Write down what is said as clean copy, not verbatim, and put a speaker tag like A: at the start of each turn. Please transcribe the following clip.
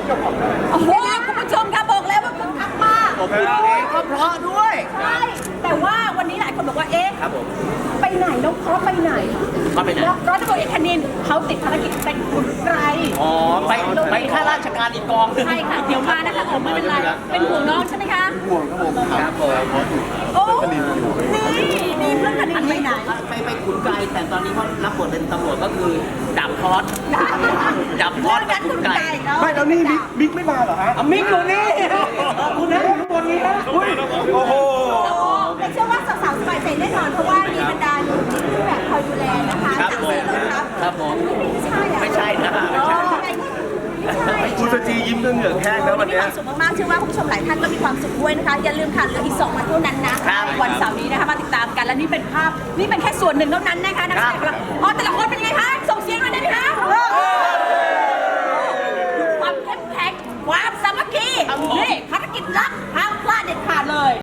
A: โอ้โหคุณผู้ชมคะบอกแล้วว่าคึกคักมาก
B: ผมเพลงก็เพราะด้วย
A: ใช่แต่ว่าวันนี้หลายคนบอกว่าเอ๊ะ
B: ครับผม
A: ไปไหนน้องเพราะไปไหน
B: ก็ไปไหน
A: ร้อยตำรวจเอกคณินเขาติดภารกิจเป็นขุนไกร
B: อ๋อไปข้าราชการอีกกองหนึ่ง
A: ใช่ค่ะเดี๋ยวมานะคะผมไม่เป็นไรเป็นห่วงน้องใช่ไหมคะ
C: ห่วงครับผม
B: ครับผม
A: โอ้นี่เพื่อนคณินไปไหน
B: ไปขุนไกลแต่ตอนนี้เขารับบทเป็นตำรวจก็คือดับคอสดับคอสกับขุนไกล
C: ไม่แล้วนี่มิกไม่มาเหรอฮะ
B: อ่ะมิกอยู่นี่คุณนะอยู่ข้างบนนี้นะ
C: โอ้โห
A: แต่เชื่อว่าสาวๆสบายใจแน่นอนเพราะว่ามีบรรดาหนุ่มที่แบบคอยดูแลนะคะ
B: ครับ
A: จาก
B: ผม
A: เสียรถครับ
B: ครับผม
A: ไม่ใช่อะ
B: ไม่ใช่นะไม่ใช่
A: ไม่ใช่
C: คุณสจียิ้มจนเหงื่อแห้งแล้ววัน
A: มี
C: เนี้
A: ค
C: ย
A: วามสุขมากๆเชื่อว่าคุณผู้ชมหลายท่านก็มีความสุขด้วยนะคะอย่าลืมค่ะเหลืออีก2 วันเท่านั้นนะวันเสาร์นี้นะคะมาติดตามกันและนี่เป็นภาพนี่เป็นแค่ส่วนหนึ่งเท่านั้นนะคะนักแสดงของเราอ๋อแต่ละคนเป็นยังไงคะส่งเสียงหน่อยได้ไหมคะ